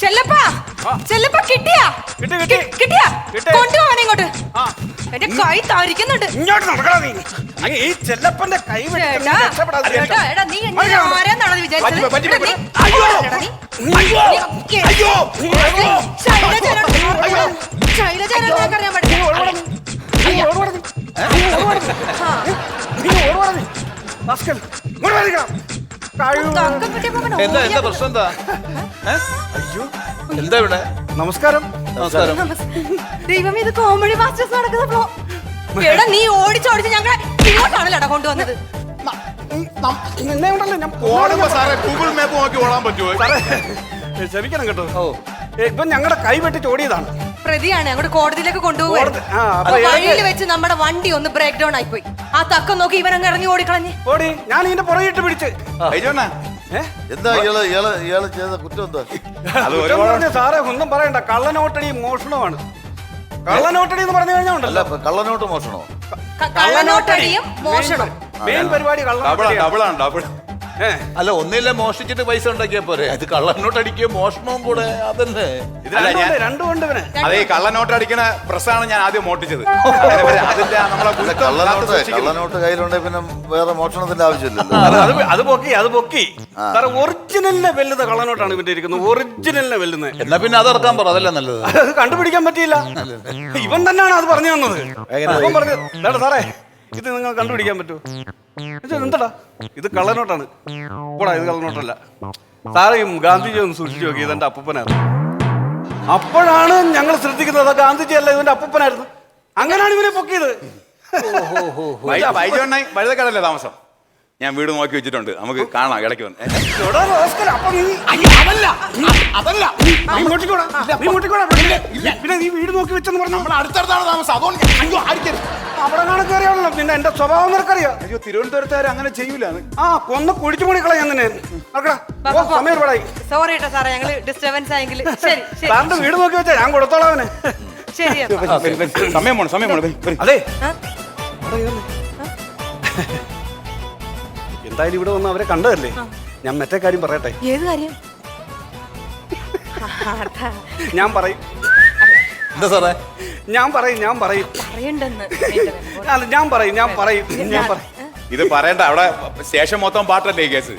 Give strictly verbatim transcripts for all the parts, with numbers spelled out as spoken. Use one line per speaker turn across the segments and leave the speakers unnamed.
ചെല്ലപ്പാ ചെല്ലപ്പാ കിട്ടിയാ കിട്ടിയാ കൊണ്ടുപോവാൻ ഇങ്ങോട്ട്. എന്റെ കൈ താരിക്കുന്നുണ്ട്.
ഇങ്ങോട്ട് നടക്കണം നീ. ഈ ചെല്ലപ്പന്റെ കൈ
നീ ആരാന്നാണോ വിചാരിച്ചത്? ശൈലജാറിയാൻ പറ്റില്ല.
എന്താ എന്താ പ്രശ്നം എന്താ? എന്താ ഇവിടെ?
നമസ്കാരം.
നമസ്കാരം.
ദൈവം, ഇത് കോമഡി മാസ്റ്റേഴ്സ് നടക്കുന്നപ്പോ എടാ നീ ഓടിച്ചോടിച്ച് ഞങ്ങളെ ഇങ്ങോട്ടാണല്ലോടാ കൊണ്ടുവന്നത്.
നിന്നെ കൊണ്ടല്ലേ ഞാൻ
ഓടുമ്പോ സാറേ ഗൂഗിൾ മാപ്പ് നോക്കി ഓടാൻ പറ്റുമോ?
സാറേ ക്ഷമിക്കണം കേട്ടോ. ഓ ഇപ്പൊ ഞങ്ങളുടെ കൈ വെട്ടിച്ച് ഓടിയതാണ്.
പ്രതിയാണ് അങ്ങോട്ട് കോടതിയിലേക്ക് കൊണ്ടുപോകുന്നത്. വഴിയിൽ വെച്ച് നമ്മുടെ വണ്ടി ഒന്ന് ബ്രേക്ക് ഡൗൺ ആയിപ്പോയി. ആ തക്കം നോക്കി ഇവനങ്ങ് ഇറങ്ങി ഓടിക്കളഞ്ഞ്
ഓടി. ഞാൻ ഇതിന്റെ പുറകിട്ട് പിടിച്ച്
എന്താ ഇയാള് ഇയാള് ഇയാള് ചെയ്ത കുറ്റം എന്താ?
സാറേ ഒന്നും പറയണ്ട. കള്ളനോട്ടടി മോഷണമാണ്. കള്ളനോട്ടടി എന്ന് പറഞ്ഞു കഴിഞ്ഞാൽ ഉണ്ടല്ലോ.
കള്ളനോട്ട് മോഷണോ?
കള്ളനോട്ടടിയും മോഷണം
മെയിൻ പരിപാടി.
അല്ല ഒന്നില്ല മോഷ്ടിച്ചിട്ട് പൈസ ഉണ്ടാക്കിയാ പോരെ. അത് കള്ളനോട്ട് അടിക്കുക മോഷണവും കൂടെ അതല്ലേ?
രണ്ടുകൊണ്ട്
അതെ കള്ളനോട്ട് അടിക്കണ പ്രസ്സാണ് ഞാൻ ആദ്യം മോട്ടിച്ചത്.
കള്ളനോട്ട് കയ്യിലുണ്ടെ പിന്നെ വേറെ മോഷണത്തിന്റെ ആവശ്യമില്ലല്ലോ.
അത് പൊക്കി അത് പൊക്കി സാറേ ഒറിജിനലിനെ വെല്ലുന്ന കള്ളനോട്ടാണ് ഇവന്റെ ഇരിക്കുന്നത്. ഒറിജിനലിനെ വെല്ലുന്നത്.
എന്നാ പിന്നെ അത് ഇറക്കാൻ പറ. അതല്ലേ നല്ലത്.
അത് കണ്ടുപിടിക്കാൻ പറ്റിയില്ല. ഇവൻ തന്നെയാണ് അത് പറഞ്ഞു തന്നത്. ഇവൻ പറഞ്ഞു സാറേ ഇത് നിങ്ങൾ കണ്ടുപിടിക്കാൻ പറ്റുമോ? എന്താടാ ഇത് കള്ളനോട്ടാണ്. പോടാ ഇത് കള്ളനോട്ടല്ല. സാറേ ഗാന്ധിജി ഒന്ന് സൂക്ഷിച്ചു നോക്കി. ഇതെന്റെ അപ്പൂപ്പനായിരുന്നു. അപ്പോഴാണ് ഞങ്ങൾ ശ്രദ്ധിക്കുന്നത് ഗാന്ധിജി അല്ല ഇവന്റെ അപ്പൂപ്പനായിരുന്നു. അങ്ങനെയാണ് ഇവനെ പൊക്കിയത്.
വഴുതക്കടല്ലേ താമസം? ഞാൻ വീട് നോക്കി വെച്ചിട്ടുണ്ട്. നമുക്ക് കാണാം ഇടയ്ക്ക് വന്ന്.
പിന്നെ നീ വീട് നോക്കി വെച്ചെന്ന് പറഞ്ഞു.
നമ്മൾ അടുത്തടുത്താണ് താമസം. അതുകൊണ്ട്
അവിടെ കണക്കേറിയാണല്ലോ. പിന്നെ എന്റെ സ്വഭാവം നിനക്കറിയാം.
അയ്യോ തിരുവനന്തപുരത്തുകാർ അങ്ങനെ ചെയ്യൂല.
ആ കൊന്ന് കുഴിച്ചു മണിക്കളാ ഞാൻ തന്നെ. സമയം ഒരുപാടായി.
സോറി കേട്ടോ സാറേ, ഞങ്ങള് ഡിസ്റ്റർബൻസ് ആയെങ്കിൽ. ശരി
സാറിന്റെ വീട് നോക്കി വെച്ചാ ഞാൻ കൊടുത്തോളാം അവന്.
ശരി
സമയം പോണം സമയം പോണം.
അതെ എന്തായാലും ഇവിടെ വന്ന് അവരെ കണ്ടതല്ലേ. ഞാൻ മറ്റേ കാര്യം പറയട്ടെ.
ഏത് കാര്യം?
ഞാൻ പറയും.
എന്താ സാറേ?
ഞാൻ പറയും ഞാൻ പറയും അല്ല ഞാൻ പറയും ഞാൻ പറയും ഞാൻ പറയും.
ഇത് പറയണ്ട. അവിടെ സ്റ്റേഷൻ മൊത്തം പാട്ടല്ലേ ഈ കേസ്?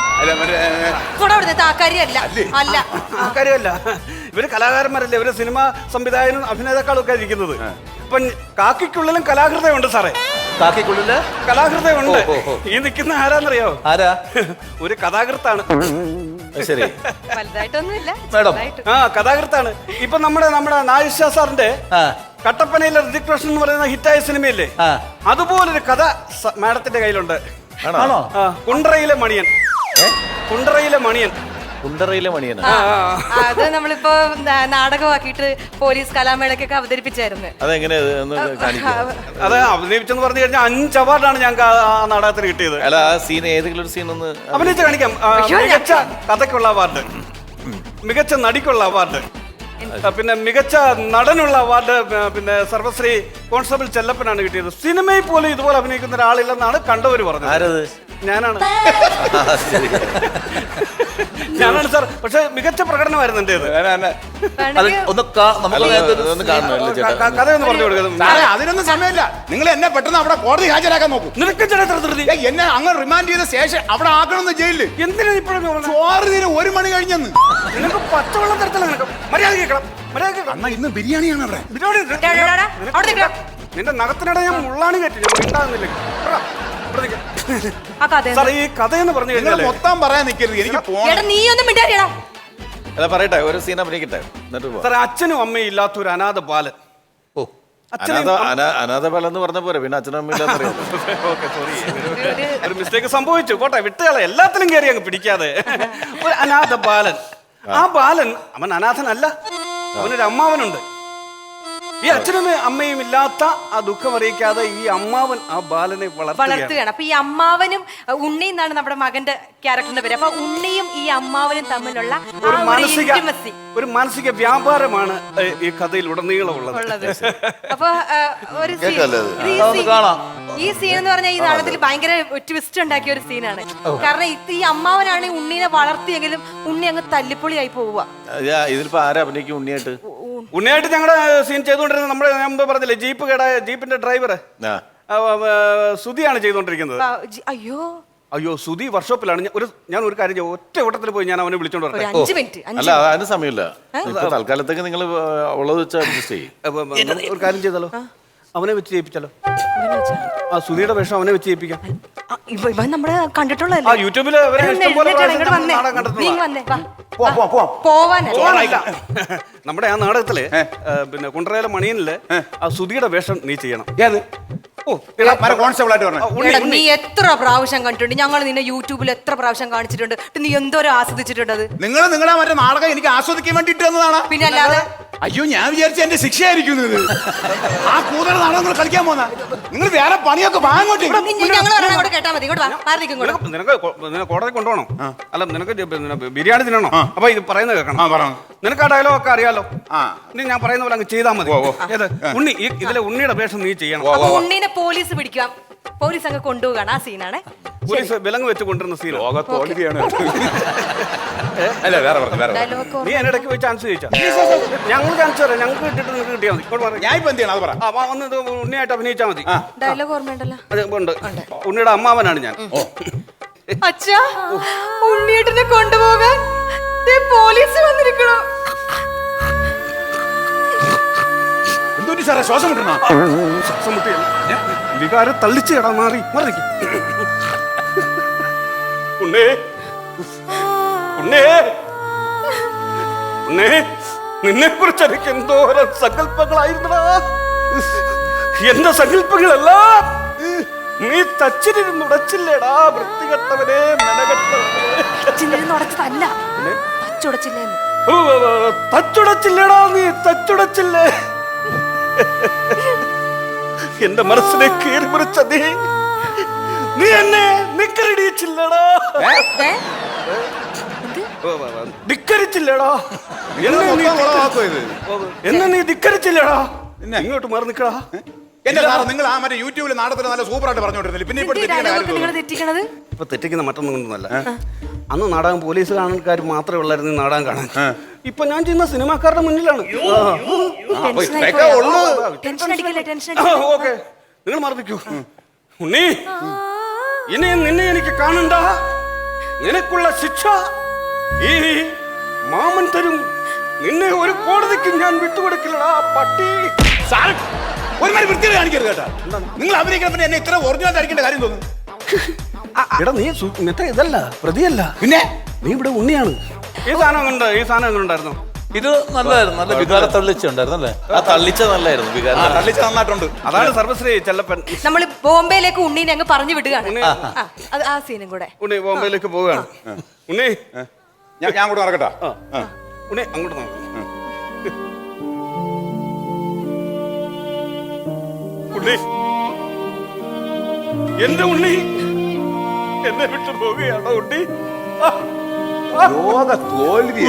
കാര്യമല്ല. ഇവര് കലാകാരന്മാരല്ലേ. ഇവര് സിനിമാ സംവിധായകനും അഭിനേതാക്കളും ഒക്കെ ഇരിക്കുന്നത്. ഇപ്പൊ കാക്കിക്കുള്ളിലും കലാകൃതയുണ്ട് സാറേ.
കാക്കിക്കുള്ളില്
കലാകൃതയുണ്ട്. ഈ നിൽക്കുന്ന ആരാന്നറിയോ?
ആരാ?
ഒരു കഥാകൃത്താണ്.
ശരി
മേഡം.
ആ കഥാകൃത്താണ്. ഇപ്പൊ നമ്മുടെ നമ്മുടെ നായിഷ സാറിന്റെ കട്ടപ്പനയിലെ ഋതിക് റോഷൻ എന്ന് പറയുന്ന ഹിറ്റായ സിനിമയില്ലേ, അതുപോലൊരു കഥ മാഡത്തിന്റെ കയ്യിലുണ്ട്. കുണ്ടറയിലെ മണിയൻ. കുണ്ടറയിലെ മണിയൻ.
കുണ്ടറയിലെ മണിയൻ.
അത് നമ്മളിപ്പോ നാടകമാക്കിയിട്ട് പോലീസ് കലാമേളക്കൊക്കെ അവതരിപ്പിച്ചായിരുന്നു.
അതെങ്ങനെ
അത് അഭിനയിച്ചെന്ന് പറഞ്ഞു കഴിഞ്ഞാൽ അഞ്ച് അവാർഡാണ് ഞങ്ങൾക്ക് ആ നാടകത്തിന് കിട്ടിയത്.
അല്ല ആ സീൻ ഏതെങ്കിലും ഒരു സീൻ ഒന്ന്
അഭിനയിച്ച് കാണിക്കാം. മികച്ച കഥയ്ക്കുള്ള അവാർഡ്, മികച്ച നടിക്കുള്ള അവാർഡ്, പിന്നെ മികച്ച നടനുള്ള അവാർഡ് പിന്നെ സർവശ്രീ കോൺസ്റ്റബിൾ ചെല്ലപ്പനാണ് കിട്ടിയത്. സിനിമയിൽ പോലും ഇതുപോലെ അഭിനയിക്കുന്ന ഒരാളില്ലെന്നാണ് കണ്ടവര് പറഞ്ഞത്. ഞാനാണ് ഞാനാണ് സാർ. പക്ഷെ മികച്ച പ്രകടനമായിരുന്നു എന്റേത്. കഥയൊന്ന് പറഞ്ഞു കൊടുക്കുന്നത്.
അതിനൊന്നും സമയമില്ല. നിങ്ങൾ എന്നെ പെട്ടെന്ന് അവിടെ കോടതി ഹാജരാക്കാൻ നോക്കൂ.
നിനക്ക് ധൃതി.
എന്നെ അങ്ങ് റിമാൻഡ് ചെയ്ത ശേഷം അവിടെ ആക്കണമെന്ന് ജയിലില്.
എന്തിനാ ഇപ്പോഴും
ചോറ് തീരെ ഒരു മണി കഴിഞ്ഞെന്ന്.
നിനക്ക് പച്ചവെള്ളം തരത്തില്ല. നിനക്ക് മര്യാദ കേൾക്കണം. മര്യാദ
അണ്ണാ ഇന്ന് ബിരിയാണിയാണ് അവിടെ.
നിന്റെ നഖത്തിനിടെ ഞാൻ മുള്ളാണി കയറ്റി. ഞാൻ ഉണ്ടാകുന്നില്ല. ഈ കഥയെന്ന് പറഞ്ഞു കഴിഞ്ഞാൽ
മൊത്തം പറയാൻ നിൽക്കരുത്. എനിക്ക്
അല്ല പറയട്ടെ, ഒരു സീൻ അഭിനയിക്കട്ടെ.
സാറേ അച്ഛനും അമ്മയും ഇല്ലാത്ത ഒരു അനാഥ ബാലൻ.
ഓ അനാഥ ബാലൻ എന്ന് പറഞ്ഞ പോരെ, പിന്നെ അച്ഛനും അമ്മയും
ഒരു മിസ്റ്റേക്ക് സംഭവിച്ചു. പോട്ടെ വിട്ടുകളെ. എല്ലാത്തിലും കയറി അങ്ങ് പിടിക്കാതെ. ഒരു അനാഥ ബാലൻ. ആ ബാലൻ അവൻ അനാഥനല്ല. അവനൊരു അമ്മാവനുണ്ട്. ഈ അച്ഛനും അമ്മയും ഇല്ലാത്ത ആ ദുഃഖം അറിയിക്കാതെ ഈ അമ്മാവൻ ആ ബാലനെ വളർത്തുകയാണ്.
വളർത്തുകയാണ്. അപ്പൊ ഈ അമ്മാവനും അഹ്, ഉണ്ണി എന്നാണ് നമ്മുടെ മകന്റെ ക്യാരക്ടറിന്റെ പേര്. അപ്പൊ ഉണ്ണിയും ഈ അമ്മാവനും തമ്മിലുള്ള ആ
ഒരു
ഒരു
മാനസിക
intimacy
ഒരു മാനസിക വ്യാപാരമാണ് ഏ, ഈ കഥയിൽ ഉടനീളം ഉള്ളത്.
ഉള്ളത്. അപ്പൊ ആ, ഒരു scene-
കേൾക്കാല്ലേ അത്?
ഇത് ഈ
അതൊന്ന്
scene-
കാണാം.
ഈ സീൻ എന്ന് പറഞ്ഞാൽ ഈ നാടകത്തിൽ ഭയങ്കര ട്വിസ്റ്റ് ഉണ്ടാക്കിയ ഒരു സീനാണ്. കാരണം ഇത് ഈ അമ്മാവനാണ് ഈ ഉണ്ണീനെ വളർത്തിയെങ്കിലും ഉണ്ണി അങ്ങ് തല്ലിപ്പൊളിയായി പോവുക.
ഇതിലിപ്പോ ആരാ അഭിനയിക്കും ഉണ്ണിയായിട്ട്?
ഉണ്ണിയായിട്ട് ഞങ്ങളുടെ സീൻ ചെയ്തുകൊണ്ടിരുന്നത് നമ്മുടെ ഞാൻ മുമ്പ് പറഞ്ഞില്ലേ ജീപ്പ് കേടായ ജീപ്പിന്റെ ഡ്രൈവർ
ആ.
സുധിയാണ് ചെയ്തുകൊണ്ടിരിക്കുന്നത്.
ആ, ജി- അയ്യോ
അയ്യോ സുധി വർക്ക്ഷോപ്പിലാണ്. ഞാൻ ഒരു ഞാൻ ഒരു കാര്യം ചെയ്യാം, ഒറ്റ ഓട്ടത്തിൽ പോയി ഞാൻ അവനെ വിളിച്ചോണ്ട്
ഒരു
വരട്ടെ.
അഞ്ച് മിനിറ്റ്
അല്ല അതിന് സമയമില്ല. ഇപ്പൊ തൽക്കാലത്തേക്ക് നിങ്ങൾ ഉള്ളത് വെച്ച് അഡ്ജസ്റ്റ് ചെയ്യും.
അപ്പൊ, നമുക്ക് ഒരു കാര്യം ചെയ്താലോ, അവനെ വെച്ച് ചെയ്യിപ്പിച്ചാലോ? ആ സുധിയുടെ വേഷം അവനെ വെച്ച് ചെയ്യിപ്പിക്കാം.
ഇവൻ നമ്മള്
ആ
കണ്ടിട്ടുള്ളതല്ലേ.
യൂട്യൂബില് അവരെ ഇഷ്ടം പോലെ പ്രാവശ്യം
വന്നേ
നാടകം
നീ
കണ്ടിട്ടുള്ളതാ.
വന്നേ വാ.
പോവാം, പോവാം, പോവാം.
പോവാനല്ല
പോവാനല്ല. നമ്മുടെ ആ നാടകത്തില് ആ, പിന്നെ കുണ്ടറയിലെ മണിയനില് ആ സുധിയുടെ വേഷം നീ ചെയ്യണം.
ഏത്
ഓ
കോൺസ്റ്റബിൾ ആയിട്ട് പറഞ്ഞു.
ആ, ഉണ്ണി,
എടാ,
ഉണ്ണി.
നീ എത്ര പ്രാവശ്യം കണ്ടിട്ടുണ്ട്, ഞങ്ങൾ നിന്നെ യൂട്യൂബിൽ എത്ര പ്രാവശ്യം കാണിച്ചിട്ടുണ്ട്. നീ എന്തോരം ആസ്വദിച്ചിട്ടുണ്ട് അത്.
നിങ്ങൾ നിങ്ങളുടെ മറ്റേ നാടകം എനിക്ക് ആസ്വദിക്കാൻ വേണ്ടിട്ട് വന്നതാണ്.
പിന്നെ അല്ലാതെ
അയ്യോ ഞാൻ വിചാരിച്ച എന്റെ ശിക്ഷയായിരിക്കും ഇത്. ആ കൂടുതൽ നാടകങ്ങൾ കളിക്കാൻ പോന്ന നിങ്ങൾ വേറെ പണിയൊക്കെ വാങ്ങോട്ടെ.
ഞങ്ങൾ പറഞ്ഞാൽ അങ്ങോട്ട് കേട്ടാ മതി. ഇങ്ങോട്ട് വാ, മാറി നിൽക്കും ഇങ്ങോട്ട്.
നിനക്ക് നിനക്ക് കൊ- നിനക്ക് കോടതി കൊണ്ടുപോകണം. അല്ല നിനക്ക് ജ- പിന്നെ ബിരിയാണി തിന്നണോ? അപ്പൊ ഇത് പറയുന്നത് കേൾക്കണം.
ആ പറഞ്ഞു.
നിനക്ക് ആ ഡയലോഗ് ഒക്കെ അറിയാലോ.
ആ
ഇനി ഞാൻ പറയുന്ന പോലെ അങ്ങ് ചെയ്താൽ മതി. ഏത് ഉണ്ണി ഈ- ഇതിലെ ഉണ്ണിയുടെ വേഷം നീ ചെയ്യണം.
അപ്പൊ ഉണ്ണീനെ പോലീസ് പിടിക്കാം. പോലീസ് അങ്ങ് കൊണ്ടുപോകാണ് ആ സീനാണ്.
പോലീസ് വിലങ്ങ് വെച്ച് കൊണ്ടുവരുന്ന സീൻ.
ലോക തോൽവിയാണ്. അല്ല വേറെ പറഞ്ഞു വേറെ പറഞ്ഞു.
ഡയലോഗ്
നീ എന്റെ ഇടയ്ക്ക് പോയി ചാൻസ് ചോദിച്ചാ ഞങ്ങൾ ചാൻസ് തരാം. ഞങ്ങൾക്ക് കിട്ടിട്ട് നിങ്ങൾക്ക് കിട്ടിയാൽ മതി. ഇങ്ങോട്ട് പറ.
ഞാൻ ഇപ്പൊ എന്ത് ചെയ്യണം അത് പറ.
ആ, വാ, ഒന്ന് ഇത് ഉണ്ണിയായിട്ട് അഭിനയിച്ചാൽ മതി.
ഡയലോഗ് ഓർമ്മയുണ്ടല്ലോ.
അത് ഉണ്ട്. ഉണ്ണിയുടെ അമ്മാവനാണ് ഞാൻ.
അച്ഛാ, ഉണ്ണിയേട്ടനെ കൊണ്ടുപോകാൻ ദേ പോലീസ് വന്നിരിക്കണു.
എന്തുകൊണ്ട് സാറേ ശ്വാസം കിട്ടണ?
ശ്വാസം മുട്ടിയല്ല. വികാരം തള്ളിച്ച് കേടാ. മാറി മാറി നിൽക്ക്. ഉണ്ണേ ഉണ്ണേ ഉണ്ണേ നിന്നെ കുറിച്ച് എനിക്ക് എന്തോരം സങ്കല്പങ്ങളായിരുന്നടാ. എന്റെ സങ്കല്പങ്ങളെല്ലാം നീ തച്ചിരുന്ന് ഉടച്ചില്ലേടാ. വൃത്തികെട്ടവനെ മെനകെട്ടവനെ.
അച്ഛനിരുന്ന് ഉടച്ചതല്ല, തച്ചുടച്ചില്ലേന്ന്.
ഓ, തച്ചുടച്ചില്ലേടാ നീ തച്ചുടച്ചില്ലേ. എന്റെ മനസ്സിനെ കീറി മുറിച്ച നീ നീ എന്നെ നിക്കറിടിച്ചില്ലടാ.
ഏ?
ധിക്കരിച്ചില്ലടാ. എന്നെ നീ എന്നെ നീ ധിക്കരിച്ചില്ലടാ. ഇങ്ങോട്ട് മാറി നിക്കടാ.
എന്റെ സാറ് നിങ്ങൾ ആ മറ്റേ യൂട്യൂബിൽ നാടകത്തിൽ നല്ല സൂപ്പറായിട്ട് പറഞ്ഞോണ്ടിരുന്നില്ല. പിന്നെ ഇപ്പോൾ
എന്ത് ഡയലോഗൊക്കെ നിങ്ങൾ തെറ്റിക്കണത്?
ഇപ്പൊ തെറ്റിക്കുന്ന മറ്റൊന്നും കൊണ്ടൊന്നല്ല. അന്ന് നാടകം പോലീസ് കാണാൻക്കാർ മാത്രമേ ഉള്ളായിരുന്നു ഈ നാടകം കാണാൻ. ഇപ്പൊ ഞാൻ ചെയ്യുന്ന സിനിമാക്കാരുടെ മുന്നിലാണ്.
ടെൻഷനായി പോയോ? ടെൻഷൻ അടിക്കല്ലേ, ടെൻഷൻ അടിക്കല്ലേ.
ഓക്കെ നിങ്ങൾ മറന്നിക്കൂ. ഉണ്ണി ഇനി നിന്നെ എനിക്ക് കാണണ്ട. നിനക്കുള്ള ശിക്ഷ ഈ മാമൻ തരും. നിന്നെ ഒരു കോടതിക്ക് ഞാൻ വിട്ടുകൊടുക്കില്ലടാ പട്ടി.
സാറ് ഒരുമാതിരി വൃത്തിയിൽ കാണിക്കരുത് കേട്ടാ. നിങ്ങൾ അഭിനയിക്കുന്ന പിന്നെ എന്നെ ഇത്ര ഒറിജിനൽ അടിക്കേണ്ട കാര്യം തോന്നുന്നു.
എടാ നീ സു- മറ്റേ ഇതല്ല പ്രതിയല്ല.
പിന്നെ
നീ ഇവിടെ ഉണ്ണിയാണ്. ഈ സാധനം കൊണ്ട് ഈ സാധനം എങ്ങനെ ഉണ്ടായിരുന്നു?
ഇത് നല്ലതായിരുന്നു. നല്ല വികാര തള്ളിച്ച ഉണ്ടായിരുന്നല്ലേ? ആ തള്ളിച്ച നല്ലായിരുന്നു.
ആ
വികാര
തള്ളിച്ച നന്നായിട്ടുണ്ട്.
അതാണ് സർവശ്രീ ചെല്ലപ്പൻ.
നമ്മള് ബോംബെയിലേക്ക് ഉണ്ണീനെ അങ്ങ് പറഞ്ഞു വിടുകയാണ്. ആ, അത് ആ സീനും കൂടെ.
ഉണ്ണി ബോംബെയിലേക്ക് പോവുകയാണ്. ഉണ്ണി
ഞാൻ ഞാൻ കൂടെ നടക്കട്ടാ.
ആ. ഉണ്ണി അങ്ങോട്ട് നോക്ക്. ഉണ്ണി എന്റെ ഉണ്ണി എന്നെ വിട്ടു പോവുകയാണോ ഉണ്ണി? ആ, ആ.
ലോക തോൽവി.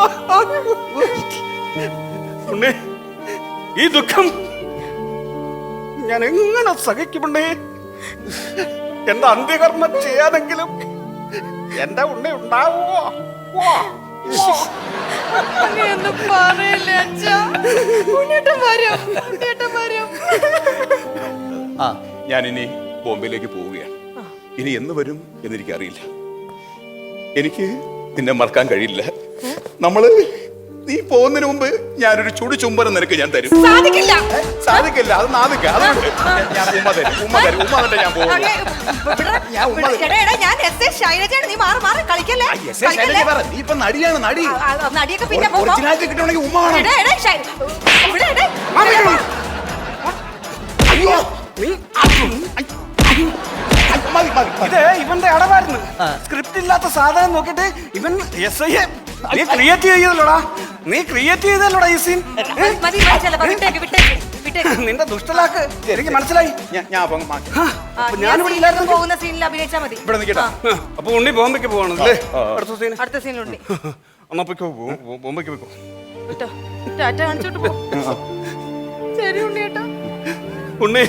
ഉണ്ണി ഈ ദുഃഖം ഞാൻ എങ്ങനെ സഹിക്കുമുണ്ണേ? എന്റെ അന്ത്യകർമ്മം ചെയ്യാനെങ്കിലും എന്റെ ഉണ്ണി ഉണ്ടാവുമോ? വാ.
അങ്ങനെയൊന്നും പറയല്ലേ അച്ഛാ. ഉണ്ണിയേട്ടൻ വരും, ഉണ്ണിയേട്ടൻ വരും.
ആ
ഞാൻ ഇനി ബോംബെയിലേക്ക് പോവുകയാണ്. ഇനി എന്ന് വരും എന്നെനിക്കറിയില്ല. എനിക്ക് നിന്നെ മറക്കാൻ കഴിയില്ല. നമ്മള് നീ പോകുന്നതിന് മുമ്പ് ഞാനൊരു ചുടു ചുംബനം നിനക്ക് ഞാൻ തരും.
സാധിക്കില്ല.
സാധിക്കില്ല. അത് നാദിക്ക. അതുകൊണ്ട് ഞാൻ ഉമ്മ തരും. ഉമ്മ തരും. ഉമ്മ തന്നിട്ട് ഞാൻ പോകും.
അങ്ങേ, ഇവിടെ-
ഞാൻ ഉമ്മ
എടാ, എടാ, ഞാൻ എസ് എ ശൈലജയാണ്. നീ മാറി മാറി കളിക്കല്ലേ, കളിക്കല്ലേ.
നീ ഇപ്പൊ നടിയാണ് നടി.
ആ, ആ, നടിയൊക്കെ പിന്നെ പോകാം.
ഒറിജിനാലിറ്റി കിട്ടണമെങ്കിൽ ഉമ്മ വേണം.
എടാ, എടാ, ശൈ- ഇവിടെ, എടാ.
അയ്യോ നീ
മതി മതി
ഇത് ഇവന്റെ അടവായിരുന്നു. സ്ക്രിപ്റ്റ് ഇല്ലാത്ത സാധനം നോക്കിട്ട് ഇവൻ എസ് ഐ നീ ക്രിയേറ്റ് ചെയ്തല്ലോടാ, നീ ക്രിയേറ്റ് ചെയ്തല്ലോടാ ഈ സീൻ.
മതി മതി ചെലപ്പോ വിട്ടേക്ക് വിട്ടേക്ക് വിട്ടേക്ക്.
നിന്റെ ദുഷ്ടലാക്ക് എനിക്ക് മനസ്സിലായി.
ഞാൻ ഞാൻ അപ്പം മാറ്റി.
ആ,
ആ,
അപ്പൊ
നീ ആ
ഞാനിവിടെ
scene
ഇല്ലായിരുന്നു.
ല് പോകുന്ന സീനിൽ അഭിനയിച്ചാ മതി.
ഇവിടെ നിൽക്കട്ടെ.
ആ, അപ്പൊ ഉണ്ണി ബോംബെക്ക് പോവാണ് അല്ലേ അടുത്ത സീൻ?
അടുത്ത സീനിലുണ്ട്.
എന്നാ പൊയ്ക്കോ, ബോ- ബോ- ബോംബെക്ക് പോയിക്കോ.
വിട്ടോ ടാറ്റ കാണിച്ചോട്ട് പോ. ശരി ഉണ്ണിയേട്ടാ.
ഉണ്ണി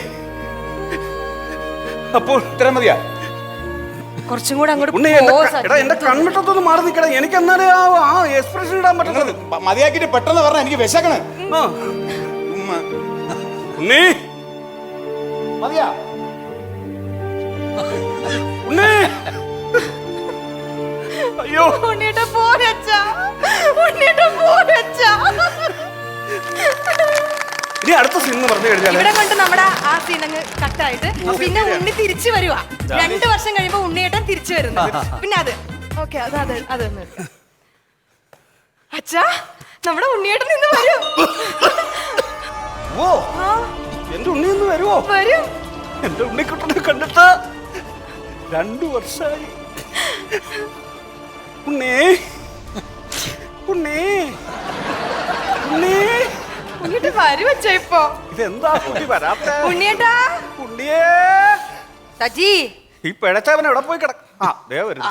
അപ്പോൾ
ഇത്രയും മതിയാ?
കുറച്ചും കൂടെ അങ്ങോട്ട്
ഉണ്ണി
പോ,
എന്റെ
സജി.
എടാ എന്റെ കൺമിട്ടത്തൊന്ന് മാറി നിൽക്കടാ, എനിക്ക് എന്നാലേ ആ ആ എക്സ്പ്രഷൻ ഇടാൻ പറ്റുന്നത്.
മ- മതിയാക്കിയിട്ട് പെട്ടെന്ന് പറഞ്ഞ എനിക്ക് വിശക്കണ്.
ആ.
ഉമ്മ.
ഉണ്ണി
മതിയാ?
ഉണ്ണി അയ്യോ
ഉണ്ണിയേട്ടാ പോരച്ചാ, ഉണ്ണിയേട്ടാ പോരച്ചാ.
ഇനി അടുത്ത സീൻ എന്ന് പറഞ്ഞു കഴിഞ്ഞാല്
ഇവിടെ കൊണ്ട് നമ്മുടെ ആ സീൻ അങ്ങ് കട്ടായിട്ട് പിന്നെ ഉണ്ണി തിരിച്ചു വരുവാ. രണ്ടു വർഷം കഴിയുമ്പോ ഉണ്ണിയേട്ടൻ തിരിച്ചു വരുന്നു. പിന്നെ അത് ഓക്കെ അത് അത് അത് ഒന്ന് എടുക്കാം. അച്ഛാ നമ്മുടെ ഉണ്ണിയേട്ടൻ ഇന്ന് വരും.
ഓ
ആ,
എന്റെ ഉണ്ണി ഒന്ന് വരുവോ?
വരും.
എന്റെ ഉണ്ണിക്കുട്ടനെ കണ്ടിട്ട് രണ്ടു വർഷമായി. ഉണ്ണി ഉണ്ണി ഉണ്ണി
ഉണ്ണിയേട്ടൻ വരും അച്ഛാ ഇപ്പൊ.
ഇതെന്താ കുട്ടി വരാത്ത
ഉണ്ണിയേട്ടാ
ഉണ്ണിയേ.
സജി
ഈ പിഴച്ചവൻ എവിടെ പോയി കിടക്ക? ആ ദേ വരുന്നു.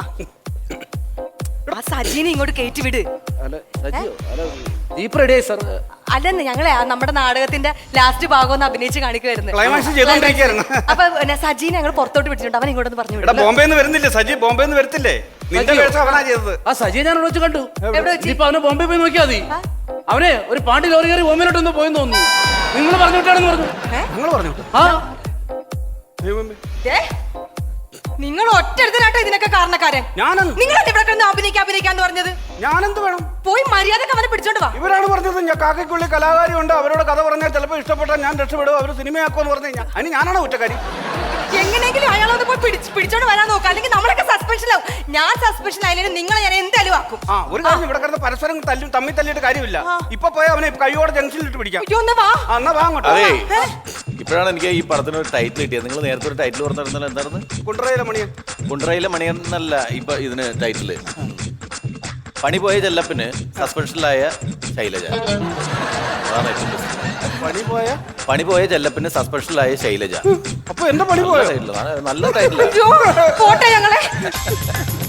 ആ സജീനെ ഇങ്ങോട്ട് കയറ്റി വിട്.
ജീപ്പ് റെഡി ആയി സാർ.
അല്ലെന്ന് ഞങ്ങളെ ആ നമ്മുടെ നാടകത്തിന്റെ ലാസ്റ്റ് ഭാഗം ഒന്ന് അഭിനയിച്ച് കാണിക്കുമായിരുന്നു.
ക്ലൈമാക്സ് ചെയ്തോണ്ടിരിക്കുകയായിരുന്നു.
അപ്പൊ പിന്നെ സജീനെ ഞങ്ങൾ പുറത്തോട്ട് വിളിച്ചിട്ടുണ്ട്. അവൻ ഇങ്ങോട്ടൊന്ന് പറഞ്ഞു
എടാ
വിടും.
ബോംബെന്ന് വരുന്നില്ലേ സജി? ബോംബെന്ന് വരത്തില്ലേ? നിന്റെ
സജിയോ?
പിഴച്ച അവനാ ചെയ്തത്.
ആ സജിയെ ഞാൻ അവിടെ വെച്ച് കണ്ടു.
എവിടെ വെച്ച്?
ഇനിയിപ്പോ അവനെ ബോംബെ പോയി നോക്കിയാൽ മതി. അവനെ ഒരു പാണ്ടി ലോറി കയറി ബോംബെയിലോട്ടൊന്ന് പോയെന്ന് തോന്നുന്നു. നിങ്ങൾ പറഞ്ഞു വിട്ടാണെന്ന് പറഞ്ഞു.
ഞങ്ങൾ പറഞ്ഞു
ആ
ദൈവമേ.
ഏ? നിങ്ങൾ ഒറ്റടുത്തനാട്ടോ ഇതിനൊക്കെ കാരണക്കാരൻ.
ഞാനെന്ത്
നിങ്ങൾ ഇവിടെ കിടന്ന് അഭിനയിക്കാൻ അഭിനയിക്കാന്ന് പറഞ്ഞത്.
ഞാനെന്ത് വേണം?
പോയി മര്യാദക്ക് അവനെ പിടിച്ചോണ്ട് വാ.
ഇവരാണ് പറഞ്ഞത് ഞാൻ കാക്കയ്ക്കുള്ളി കലാകാരി ഉണ്ട്, അവരോട് കഥ പറഞ്ഞാൽ ചിലപ്പോൾ ഇഷ്ടപ്പെട്ടാൽ ഞാൻ രക്ഷപ്പെടും, അവർ സിനിമയാക്കുമെന്ന് പറഞ്ഞു കഴിഞ്ഞാൽ അതിന് ഞാനാണ് കുറ്റക്കാരി.
എങ്ങനെയെങ്കിലും അയാളൊന്ന് പോയി പിടിച്ച് പിടിച്ചോണ്ട് വരാൻ നോക്കാം, അല്ലെങ്കിൽ നമ്മളൊക്കെ സസ്പെൻഷനാവും. ഞാൻ സസ്പെൻഷൻ ആയാലും നിങ്ങളെ ഞാൻ എന്തായാലും ആക്കും.
ആ ഒരു കാര്യം, ഇവിടെ കിടന്ന് പരസ്പരം തല്ലും തമ്മിൽ തല്ലിയിട്ട് കാര്യമില്ല. ഇപ്പൊ പോയി അവനെ കൈയോടെ ജംഗ്ഷനിലിട്ട് പിടിക്കാം.
അയ്യോ, ഒന്ന് വാ.
ആ, എന്നാ വാ അങ്ങോട്ട്.
അതേ
ഏ?
ഇപ്പോഴാണ് എനിക്ക് ഈ പടത്തിന് ഒരു ടൈറ്റിൽ കിട്ടിയത്. നിങ്ങൾ നേരത്തെ ഒരു ടൈറ്റിൽ പറഞ്ഞിരുന്നല്ലോ, എന്തായിരുന്നു?
കുണ്ടറയിലെ മണിയൻ.
കുണ്ടറയിലെ മണിയൻ എന്നല്ല ഇപ്പൊ ഇതിന് ടൈറ്റില്. പണി പോയ ചെല്ലപ്പിന് സസ്പെൻഷനിലായ ശൈലജ. അതാണ് ഏറ്റവും best.
പണി പോയ
പണി പോയ ചെല്ലപ്പിന് സസ്പെൻഷനിലായ ശൈലജ.
അപ്പൊ എന്റെ പണി പോയ
നല്ല ടൈറ്റിൽ, നല്ല ടൈറ്റിലാണ്.
അയ്യോ, പോട്ടെ ഞങ്ങളെ.